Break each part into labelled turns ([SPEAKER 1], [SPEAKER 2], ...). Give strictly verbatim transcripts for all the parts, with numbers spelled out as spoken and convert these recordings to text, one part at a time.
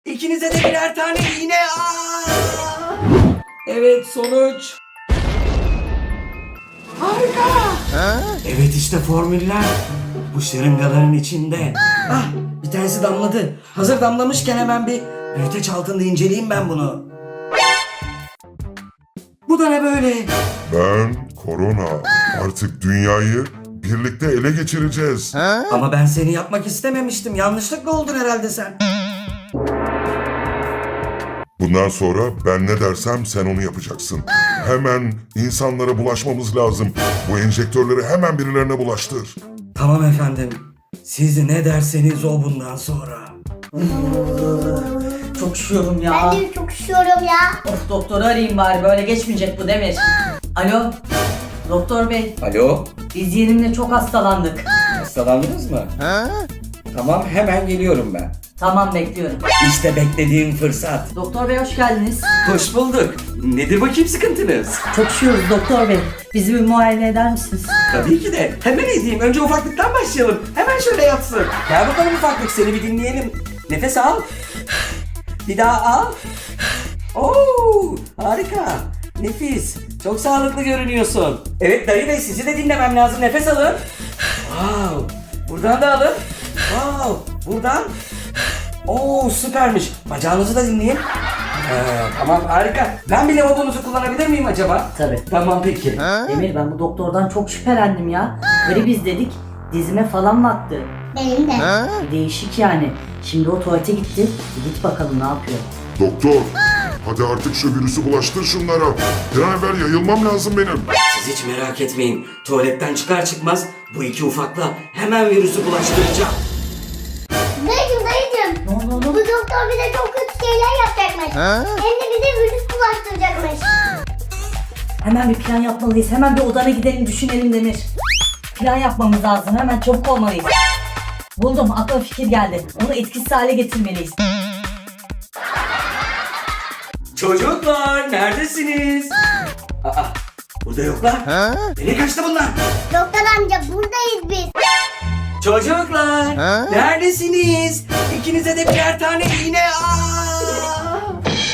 [SPEAKER 1] İkinize de birer tane iğne. Aa! Evet, sonuç. Harika. Evet, işte formüller. Bu şırıngaların içinde. Ah, bir tanesi damladı. Hazır damlamışken hemen bir büyüteç altında inceleyeyim ben bunu. Bu da ne böyle?
[SPEAKER 2] Ben Korona. Artık dünyayı birlikte ele geçireceğiz.
[SPEAKER 1] Ama ben seni yapmak istememiştim. Yanlışlıkla oldun herhalde sen.
[SPEAKER 2] Bundan sonra ben ne dersem sen onu yapacaksın. Hemen insanlara bulaşmamız lazım. Bu enjektörleri hemen birilerine bulaştır.
[SPEAKER 1] Tamam efendim. Siz ne derseniz o bundan sonra.
[SPEAKER 3] Çok üşüyorum ya.
[SPEAKER 4] Ben de çok üşüyorum ya.
[SPEAKER 3] Of, doktoru arayayım bari, böyle geçmeyecek bu Demir. Alo, doktor bey,
[SPEAKER 1] Alo,
[SPEAKER 3] biz yeğenimle çok hastalandık.
[SPEAKER 1] hastalandınız mı? Tamam, hemen geliyorum ben.
[SPEAKER 3] Tamam, bekliyorum.
[SPEAKER 1] İşte beklediğim fırsat.
[SPEAKER 3] Doktor bey hoş geldiniz.
[SPEAKER 1] Hoş bulduk. Nedir bakayım sıkıntınız?
[SPEAKER 3] Çok üşüyoruz doktor bey. Bizi bir muayene eder misiniz?
[SPEAKER 1] Tabii ki de. Hemen edeyim. Önce ufaklıktan başlayalım. Hemen şöyle yatsın. Gel bakalım ufaklık, seni bir dinleyelim. Nefes al. Bir daha al. Oo, harika. Nefis. Çok sağlıklı görünüyorsun. Evet dayı bey, sizi de dinlemem lazım. Nefes alın. Wow. Buradan da alın. Wow. Buradan. Oo, süpermiş. Bacağınızı da dinleyin. Ee, tamam, harika. Ben bir lavabonuzu kullanabilir miyim acaba?
[SPEAKER 3] Tabii.
[SPEAKER 1] Tamam peki.
[SPEAKER 3] Demir, ben bu doktordan çok şüphelendim ya. Gribiz dedik, dizime falan baktı.
[SPEAKER 4] Benim de.
[SPEAKER 3] Bir değişik yani. Şimdi o tuvalete gitti. Bir git bakalım ne yapıyor.
[SPEAKER 2] Doktor, hadi artık şu virüsü bulaştır şunlara. Bir an evvel yayılmam lazım benim.
[SPEAKER 1] Siz hiç merak etmeyin. Tuvaletten çıkar çıkmaz bu iki ufakla hemen virüsü bulaştıracağım.
[SPEAKER 4] Dayıcım dayıcım.
[SPEAKER 3] Ne oldu
[SPEAKER 4] Bu
[SPEAKER 3] oğlum?
[SPEAKER 4] doktor bize çok kötü şeyler yapacakmış. Hem de bize virüs bulaştıracakmış.
[SPEAKER 3] Hemen bir plan yapmalıyız. Hemen bir odana gidelim, düşünelim Demir. Plan yapmamız lazım. Hemen çabuk olmalıyız. Buldum. Aklıma fikir geldi. Onu etkisiz hale getirmeliyiz.
[SPEAKER 1] Çocuklar neredesiniz? Aa, burada yoklar. Nereye kaçtı bunlar?
[SPEAKER 4] Doktor amca buradayız biz.
[SPEAKER 1] Çocuklar neredesiniz? İkinize de birer tane iğne. Aa!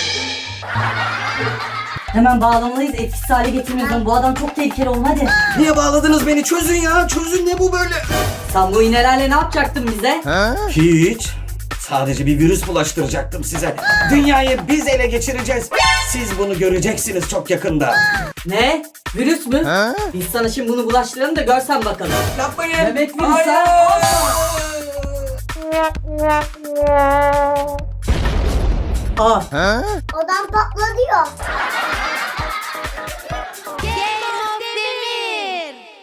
[SPEAKER 3] Hemen bağlamalıyız. Etkisiz hale getirmeliyiz onu. Bu adam çok tehlikeli oğlum, hadi.
[SPEAKER 1] Niye bağladınız beni? Çözün ya. Çözün, ne bu böyle?
[SPEAKER 3] Sen bu iğnelerle ne yapacaktın bize?
[SPEAKER 1] Hiç. Sadece bir virüs bulaştıracaktım size. Dünyayı biz ele geçireceğiz. Siz bunu göreceksiniz çok yakında.
[SPEAKER 3] Ne? Virüs mü? Biz sana şimdi bunu bulaştıralım da görsen bakalım.
[SPEAKER 1] Yapmayın.
[SPEAKER 3] Bebek virüsü.
[SPEAKER 1] Hayır.
[SPEAKER 3] Aa,
[SPEAKER 4] Odam patladı ya.